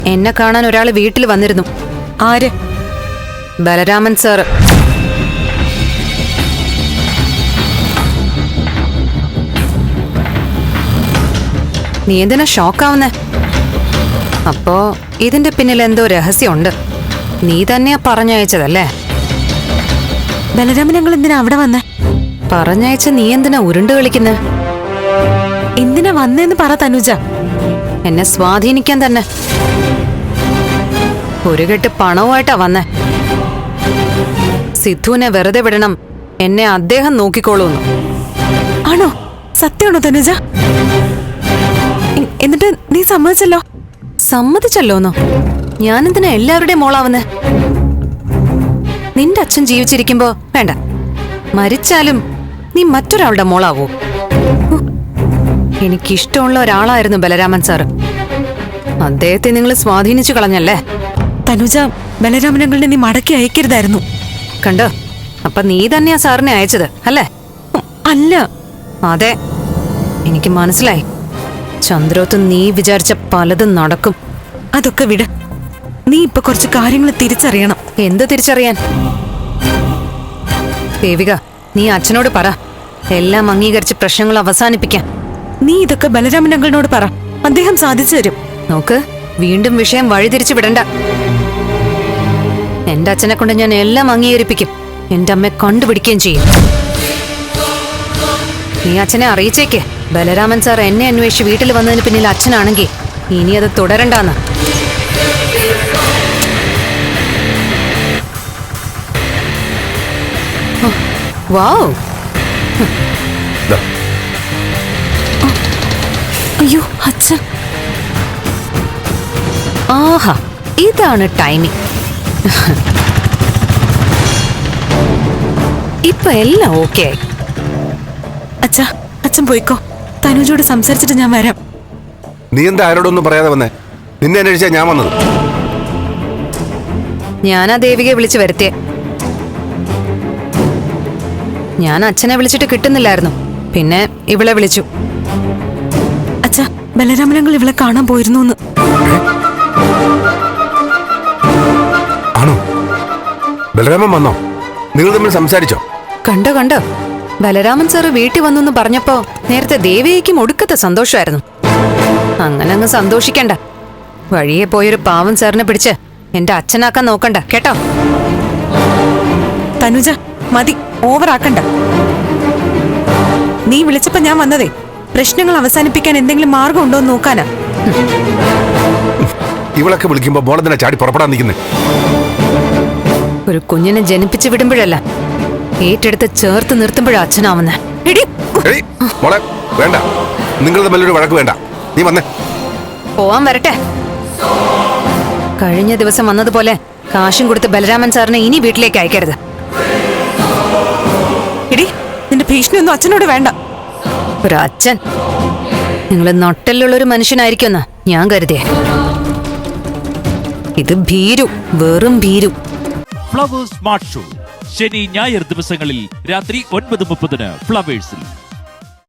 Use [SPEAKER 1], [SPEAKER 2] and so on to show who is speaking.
[SPEAKER 1] എന്നെ കാണാൻ ഒരാള് വീട്ടിൽ വന്നിരുന്നു.
[SPEAKER 2] ആര്?
[SPEAKER 1] ബലരാമൻ സാറ്. നീ എന്തിനാ ഷോക്കാവുന്നേ? അപ്പോ ഇതിന്റെ പിന്നിൽ എന്തോ രഹസ്യമുണ്ട്. നീ തന്നെയാ പറഞ്ഞയച്ചതല്ലേ?
[SPEAKER 2] ബലരാമൻ ഞങ്ങൾ എന്തിനാ അവിടെ വന്നേ?
[SPEAKER 1] പറഞ്ഞയച്ച നീ എന്തിനാ ഉരുണ്ട് കളിക്കുന്നേ?
[SPEAKER 2] എന്തിനാ വന്നേന്ന് പറ തനുജ.
[SPEAKER 1] എന്നെ സ്വാധീനിക്കാൻ തന്നെ. ഒരു കെട്ട് പണവുമായിട്ടാ വന്നേ. സിദ്ധുവിനെ വെറുതെ വിടണം, എന്നെ അദ്ദേഹം നോക്കിക്കോളൂന്ന്.
[SPEAKER 2] ആണോ? സത്യമാണോ തനുജ? എന്നിട്ട് നീ സമ്മതിച്ചല്ലോ?
[SPEAKER 1] സമ്മതിച്ചല്ലോന്നോ? ഞാനെന്തിനാ എല്ലാവരുടെയും മോളാവുന്നേ? നിന്റെ അച്ഛൻ ജീവിച്ചിരിക്കുമ്പോ വേണ്ട, മരിച്ചാലും നീ മറ്റൊരാളുടെ മോളാവൂ? എനിക്കിഷ്ടമുള്ള ഒരാളായിരുന്നു ബലരാമൻ സാറ്. അദ്ദേഹത്തെ നിങ്ങൾ സ്വാധീനിച്ചു കളഞ്ഞല്ലേ?
[SPEAKER 2] തനുജ, ബലരാമനങ്ങളുടെ നീ മടക്കി അയക്കരുതായിരുന്നു.
[SPEAKER 1] കണ്ടോ? അപ്പൊ നീ തന്നെയാ സാറിനെ അയച്ചത് അല്ലേ?
[SPEAKER 2] അല്ല.
[SPEAKER 1] അതെ, എനിക്ക് മനസ്സിലായി. ചന്ദ്രോത്ത് നീ വിചാരിച്ച പലതും നടക്കും.
[SPEAKER 2] അതൊക്കെ വിട്. നീ ഇപ്പൊ കുറച്ച് കാര്യങ്ങൾ തിരിച്ചറിയണം.
[SPEAKER 1] എന്ത് തിരിച്ചറിയാൻ? ദേവിക, നീ അച്ഛനോട് പറ, എല്ലാം അംഗീകരിച്ച് പ്രശ്നങ്ങൾ അവസാനിപ്പിക്കാൻ.
[SPEAKER 2] നീ ഇതൊക്കെ ബലരാമനങ്ങളോട് പറ, അദ്ദേഹം സാധിച്ചു തരും.
[SPEAKER 1] നോക്ക്, വീണ്ടും വിഷയം വഴിതിരിച്ചു വിടണ്ട. എന്റെ അച്ഛനെ കൊണ്ട് ഞാൻ എല്ലാം അംഗീകരിപ്പിക്കും. എന്റെ അമ്മയെ കണ്ടുപിടിക്കുകയും ചെയ്യും. നീ അച്ഛനെ അറിയിച്ചേക്ക്, ബലരാമൻ സാർ എന്നെ അന്വേഷിച്ച് വീട്ടിൽ വന്നതിന് പിന്നിൽ അച്ഛനാണെങ്കിൽ ഇനി അത് തുടരണ്ടാന്ന്. വാവ്!
[SPEAKER 2] അയ്യോ അച്ഛൻ.
[SPEAKER 1] ആഹാ, ഇതാണ് ടൈമിംഗ്. ഇപ്പൊ എല്ലാം ഓക്കെ ആയി.
[SPEAKER 2] അച്ഛാ, അച്ഛൻ പോയിക്കോ. തനുജോട് സംസാരിച്ചിട്ട് ഞാൻ വരാം.
[SPEAKER 3] നീ എന്താ ആരോടൊന്നും പറയാതെ വന്നേ? നിന്നെ അന്വേഷിച്ചാ ഞാൻ വന്നത്.
[SPEAKER 1] ഞാനാ ദേവികയെ വിളിച്ചു വരുത്തിയേ. ഞാൻ അച്ഛനെ വിളിച്ചിട്ട് കിട്ടുന്നില്ലായിരുന്നു, പിന്നെ ഇവളെ വിളിച്ചു.
[SPEAKER 2] അച്ഛാ, ബലരാമനങ്ങൾ ഇവളെ കാണാൻ പോയിരുന്നു.
[SPEAKER 3] ആണോ? ബലരാമൻ വന്നോ? നിങ്ങൾ തമ്മിൽ സംസാരിച്ചോ?
[SPEAKER 1] കണ്ടോ കണ്ടോ, ബലരാമൻ സാറ് വീട്ടിൽ വന്നു പറഞ്ഞപ്പോ നേരത്തെ ദേവികയ്ക്കും ഒടുക്കത്തെ സന്തോഷമായിരുന്നു. അങ്ങനെ അങ്ങ് സന്തോഷിക്കണ്ട. വഴിയെ പോയൊരു പാവം സാറിനെ പിടിച്ച് എന്റെ അച്ഛനാക്കാൻ നോക്കണ്ട കേട്ടോ.
[SPEAKER 2] തനുജ, മതി, ഓവറാക്കണ്ട. നീ വിളിച്ചപ്പോ ഞാൻ വന്നതേ പ്രശ്നങ്ങൾ അവസാനിപ്പിക്കാൻ എന്തെങ്കിലും മാർഗം ഉണ്ടോ എന്ന് നോക്കാനാ.
[SPEAKER 3] ഇവളൊക്കെ വിളിക്കുമ്പോ മോളെ തന്നെ ചാടി പുറപ്പെടാൻ നിൽക്കുന്നേ.
[SPEAKER 1] ഒരു കുഞ്ഞിനെ ജനിപ്പിച്ചു വിടുമ്പോഴല്ല, ഏറ്റെടുത്ത് ചേർത്ത് നിർത്തുമ്പോഴാ അച്ഛനാവുന്നേ.
[SPEAKER 3] മോളെ വേണ്ട, നിങ്ങൾ തമ്മിലൊരു വഴക്ക് വേണ്ട. നീ വന്നേ.
[SPEAKER 1] പോവാൻ വരട്ടെ. കഴിഞ്ഞ ദിവസം വന്നതുപോലെ കാശും കൊടുത്ത് ബലരാമൻ സാറിനെ ഇനി വീട്ടിലേക്ക് അയക്കരുത്.
[SPEAKER 2] എടി, നിന്റെ ഭീഷണിയൊന്നും അച്ഛനോട് വേണ്ട.
[SPEAKER 1] ഒരു അച്ഛൻ? നിങ്ങൾ നട്ടെല്ലുള്ളൊരു മനുഷ്യനായിരിക്കുമെന്നാ ഞാൻ കരുതിയേ. ഇത് ഭീരു, വെറും ഭീരു.
[SPEAKER 4] ഫ്ലവേഴ്സ് സ്മാർട്ട് ഷോ ശനി ഞായർ ദിവസങ്ങളിൽ രാത്രി 9:30 ഫ്ലവേഴ്സിൽ.